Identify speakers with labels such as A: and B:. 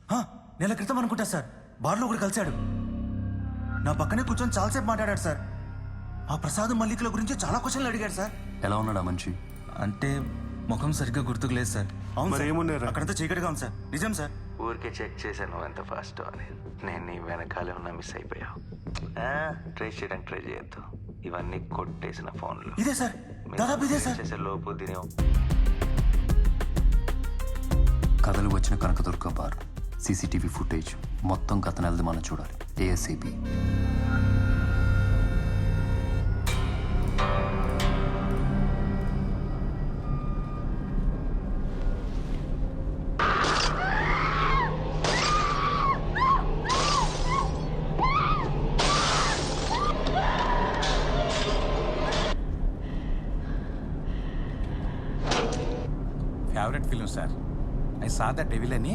A: నెల క్రితం అనుకుంటా సార్, బార్లో కూడా కలిశాడు. నా పక్కనే కూర్చొని చాలాసేపు మాట్లాడాడు సార్. ఆ ప్రసాద్ మల్లికుల గురించి చాలా క్వశ్చన్లు అడిగాడు సార్.
B: ఎలా ఉన్నాడా మనిషి?
A: అంటే ముఖం సరిగ్గా గుర్తుకు లేదు సార్. అవును
C: మరి
A: సార్,
C: ఏమున్నారా?
A: అక్కడంతా చీకటిగా ఉంది సార్. నిజం సార్.
D: ఊరికే చెక్ చేశాను ఎంత ఫాస్ట్ అని. నేను నీ వెనకాలే ఉన్నా మిస్ అయిపోయావు. ట్రేస్ చేయడానికి ట్రై చేయొద్దు, ఇవన్నీ కొట్టేసిన ఫోన్లు.
A: ఇదే సార్, దాదాపు ఇదే సార్.
D: చేసే లోపు దీని
B: కథలు వచ్చిన కనకదుర్గ బార్ సీసీటీవీ ఫుటేజ్ మొత్తం గత నెలది మనం చూడాలి. ASIB.
E: Favourite film sir. I saw the devil అని